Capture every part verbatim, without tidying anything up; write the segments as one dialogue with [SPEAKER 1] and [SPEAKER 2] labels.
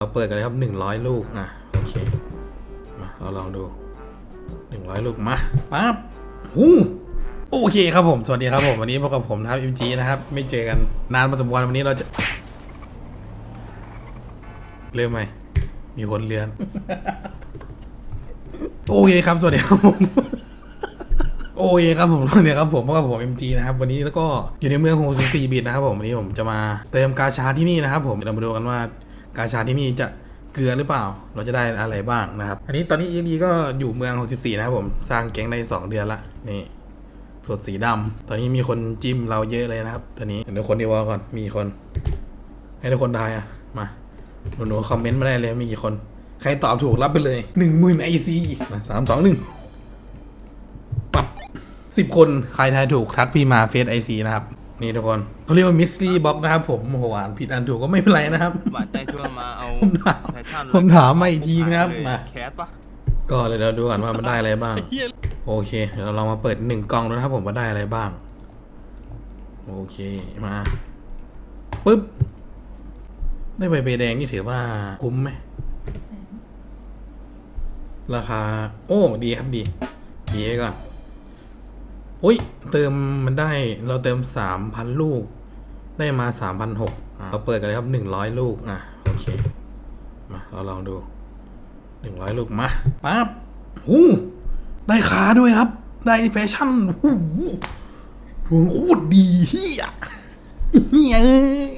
[SPEAKER 1] เราเปิดกันเลยครับหนึ่งร้อยลูกอ่ะโอเคมาเราลองดูหนึ่งร้อยลูกมาปั๊บหูโอเคครับผมสวัสดีครับผมวันนี้พบกับผมนะครับ เอ็ม จี นะครับไม่เจอกันนานพอสมควรวันนี้เราจะเริ่มไหมมีคนเลือน โอเคครับสวัสดีครับผม โอเคครับผมสวัสดีครับผมพบกับผม เอ็ม จี นะครับวันนี้แล้วก็อยู่ในเมืองหกสิบสี่บิตนะครับผมวันนี้ผมจะมาเติมกาชาที่นี่นะครับผมเรามาดูกันว่ากาชาที่นี่จะเกลือหรือเปล่าเราจะได้อะไรบ้างนะครับอันนี้ตอนนี้ เอ็ม จี ก็อยู่เมืองหกสิบสี่นะครับผมสร้างแก๊งได้สองเดือนละนี่สดสีดำตอนนี้มีคนจิ้มเราเยอะเลยนะครับตอนนี้เดี๋ยวคนดีวอลก่อนมีคนให้ทุกคนทายอ่ะมาหนูๆคอมเมนต์มาได้เลยมีกี่คนใครตอบถูกรับไปเลยหนึ่งหมื่นไอซีมาสามสองหนึ่งปับสิบคนใครทายถูกทักพี่มาเฟซไอซีนะครับนี่ทุกคนเขาเรียกว่ามิสซี่บ็อกนะครับผมโอ้โหอ่านผิดอ่านถูกก็ไม่เป็นไรนะครับ
[SPEAKER 2] หวานใจชวนมาเอา
[SPEAKER 1] ผมถาม
[SPEAKER 2] แฟชั่นเลย
[SPEAKER 1] ผมถามมาอีกทีนะครับมา
[SPEAKER 2] แคสปะ
[SPEAKER 1] ก็เดี๋ยวเราดูก่อนว่ามันได้อะไรบ้างโอเคเดี๋ยวเราลองมาเปิดหนึ่งกล่องดูนะครับผมว่าได้อะไรบ้างโอเคมาปึ๊บได้ใบเบแดงนี่ถือว่าคุ้มไหมราคาโอ้ดีครับดีดีไว้ก่อนอุ้ยเติมมันได้เราเติมสามพันลูกได้มาสามพันหกเราเปิดกันเลยครับหนึ่งร้อยลูกอ่ะโอเคมาเราลองดูหนึ่งร้อยลูกมาปั๊บหูได้ขาด้วยครับได้แฟชั่นหูดวงโคตรดีเฮียเฮียเอ้ย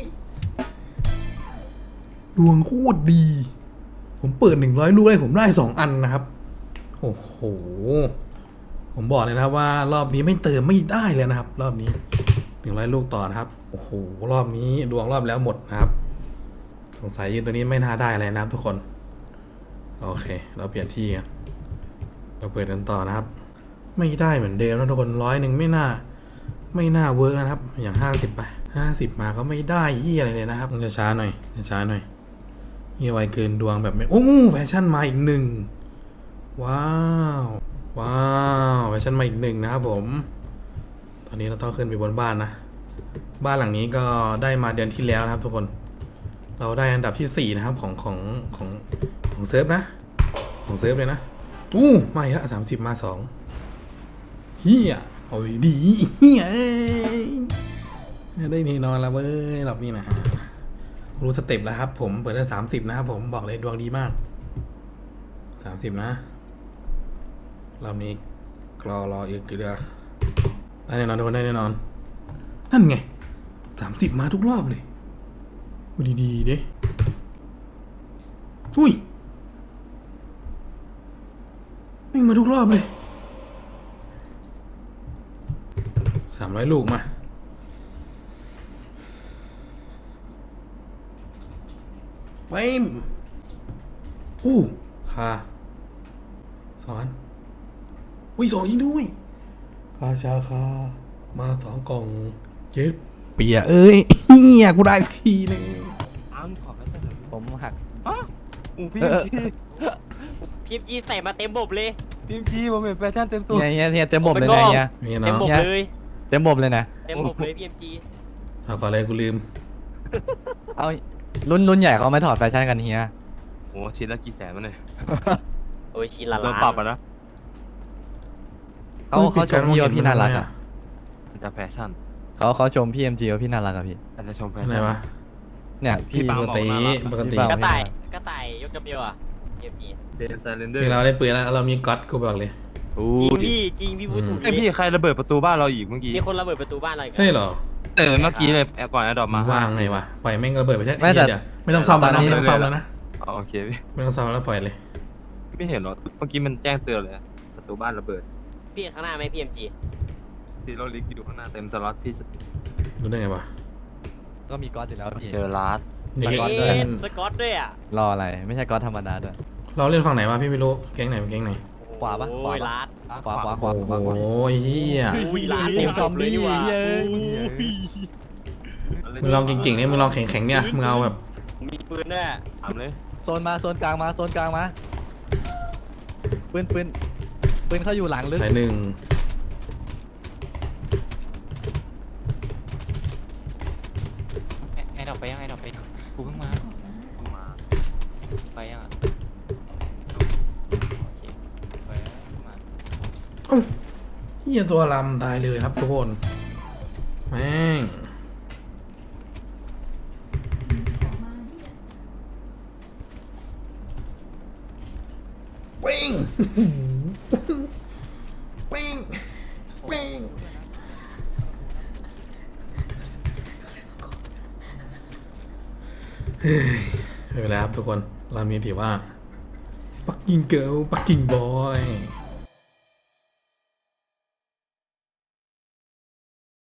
[SPEAKER 1] ดวงโคตรดี ผมเปิดหนึ่งร้อยลูกได้ผมได้สองอันนะครับโอ้โหผมบอกเลยนะครับว่ารอบนี้ไม่เติมไม่ได้เลยนะครับ รอบนี้หนึ่งร้อยลูกต่อนะครับโอ้โหรอบนี้ดวงรอบแล้วหมดนะครับสงสัยยืนตัวนี้ไม่น่าได้อะไรนะครับทุกคนโอเคเราเปลี่ยนที่กันเราเปิดกันต่อนะครับไม่ได้เหมือนเดิมนะทุกคนร้อยหนึ่งไม่น่าไม่น่าเวิร์กนะครับอย่างห้าสิบไปห้าสิบมาก็ไม่ได้ยี่อะไรเลยนะครับต้องช้าๆหน่อยช้าๆหน่อยนี่ไวเกินดวงแบบไม่โอ้แฟชั่นมาอีกหนึ่งว้าวว้าวแฟชั่นมาอีกหนึ่งนะครับผมตอนนี้เราต้องขึ้นไปบนบ้านนะบ้านหลังนี้ก็ได้มาเดือนที่แล้วนะครับทุกคนเราได้อันดับที่สี่นะครับของของของของเซิร์ฟนะของเซิร์ฟเลยนะอู้มาอีกแล้วสามสิบมาสองเฮียโอ้ยดีเฮียได้นี่นอนแล้วเว้ยรอบนี้นะรู้สเต็ปแล้วครับผมเปิดได้สามสิบนะครับผมบอกเลยดวงดีมากสามสิบนะรอบนี้รอรออีกทีเดียวได้แน่นอนทุกคนได้แน่นอนนั่นไงสามสิบมาทุกรอบเลยดีดีๆดิอุ้ยไม่มาทุกรอบเลยสามร้อยลูกมาไปอู้ค่ะสอนอุ้ยสองยิงด้วยคาชาคามาสองกล่องเจ็ดเปียเอ้ยเฮียกูได้ทีนึง
[SPEAKER 2] อ้าวขอแฟชั่นหน่อย
[SPEAKER 3] ผมหัก
[SPEAKER 2] อ้าวอู้พี่
[SPEAKER 4] พีเอ็มจีใส่มาเต็มบบเลย
[SPEAKER 2] พี่จีผมเห็นแฟชั่นเต็มตัว
[SPEAKER 3] เฮียเฮียเฮียเต็มบบเลยนะเฮีย
[SPEAKER 1] มี
[SPEAKER 4] เต็ม
[SPEAKER 1] เนาะ
[SPEAKER 4] บบ
[SPEAKER 3] เนี่ย
[SPEAKER 4] เลย
[SPEAKER 3] เต็มบบเลยนะ
[SPEAKER 4] เต็มบบเลยพีเอ็มจี
[SPEAKER 1] เอาก่อนเลยกูลืม
[SPEAKER 3] เอารุ่นรุ่นใหญ่เขาไม่ถอดแฟชั่นกันเฮีย
[SPEAKER 2] โอ้ชิ้นละกี่แสนมันเลย
[SPEAKER 4] โอ้ยชิ้นละ
[SPEAKER 2] โด
[SPEAKER 4] ล้าน น
[SPEAKER 2] ปรับอ่ะนะ
[SPEAKER 3] เขาเขาชมพี่ว่าพี่น่ารักอ่ะ
[SPEAKER 2] มันจะแฟชั่น
[SPEAKER 3] เขาเขาชมพี่เอ็มจีว่าพี่น่ารักอ่ะพี่
[SPEAKER 2] แต่จะชมแฟ
[SPEAKER 1] อะไร
[SPEAKER 2] ชั่น
[SPEAKER 1] วะ
[SPEAKER 3] เนี่ย
[SPEAKER 2] พี่
[SPEAKER 3] พี่
[SPEAKER 2] ปัง
[SPEAKER 1] ปกติปกติ
[SPEAKER 3] พี่ปัง
[SPEAKER 4] กระต่ายกระต่ายยกกระเบียวอ่ะพีเอ็มจี
[SPEAKER 2] เดนไซเลนเดอร์
[SPEAKER 1] คือเราได้ปืนแล้วเรามีก๊อตกูบอกเลย
[SPEAKER 2] อู้
[SPEAKER 4] จริงพี่จริงพี่พูดถูก
[SPEAKER 2] ไอพี่ใครระเบิดประตูบ้านเราอีกเมื่อกี้
[SPEAKER 4] มีคนระเบิดประตูบ้านเราอีก
[SPEAKER 1] ใช่เหรอ
[SPEAKER 2] เออเมื่อกี้เลยแอบก่อนแอดดอปมา
[SPEAKER 1] ว่างไงวะปล่อยแม่งระเบิดไปใช่
[SPEAKER 3] ไม่แต่
[SPEAKER 1] เดี๋ยวไม่ต้องซ่อมแล้วนะไม่ต้องซ่อมแล้วนะ
[SPEAKER 2] อ๋อโอเคพี่
[SPEAKER 1] ไม่ต้องซ่อมแล้วปล่อยเลย
[SPEAKER 2] ไม่เห็นหรอเมื่อกี้มันแจ้งเตือนเลยประตูบ้านระเบิด
[SPEAKER 4] พี่ข้างหน้าไหมพีเอ็มจี
[SPEAKER 2] ซีโรลิกอยู่ข้างหน้าเต็มสล็อตพี่
[SPEAKER 1] รู้ได้ไงวะ
[SPEAKER 3] ก็มีก๊อตอยู่แล้วพี่
[SPEAKER 2] เจอลาส
[SPEAKER 1] นี่
[SPEAKER 3] สก๊อต
[SPEAKER 4] เอ็
[SPEAKER 3] ด้วย
[SPEAKER 4] นสกอตด้วยอ่ะ
[SPEAKER 3] รออะไรไม่ใช่ก๊อตธรรมดาด้วย
[SPEAKER 1] เราเล่นฝั่งไหนวะพี่ไม่รู้แก๊งไหนเป็นแก๊งไหน
[SPEAKER 3] ขวาปะขวาปะ
[SPEAKER 4] โอ้ยล้าน
[SPEAKER 3] ขวาขวาขวา
[SPEAKER 1] โอ้
[SPEAKER 3] ขวาขวา
[SPEAKER 1] โหเฮีย
[SPEAKER 4] อุ้ยล้าน
[SPEAKER 3] เต็มซอมบี้
[SPEAKER 4] เลยว่ะ
[SPEAKER 3] เย้
[SPEAKER 1] มึงลองเก่งๆเนี่ยมึงลองแข็งๆเนี่ยมึงเอาแบบ
[SPEAKER 4] มีปืนด้วย
[SPEAKER 2] ทำเลย
[SPEAKER 3] โซนมาโซนกลางมาโซนกลางมาปืนปืนปืนเขาอยู่หลังลึก
[SPEAKER 1] สายหนึ่ง
[SPEAKER 5] ไอ้ดอกไปยังไอ้ดอกไปยังกูเพิ่งมา
[SPEAKER 2] มาไปยังอ่ะโอเคไปแล้วมา
[SPEAKER 1] เอ้าเฮียตัวลำตายเลยครับทุกคนแม่งเป้งเป้งเป้งเฮ้ยไม่เป็นไรครับทุกคนเรามีถือว่าปักกิ่งเกิลปักกิ่งบอย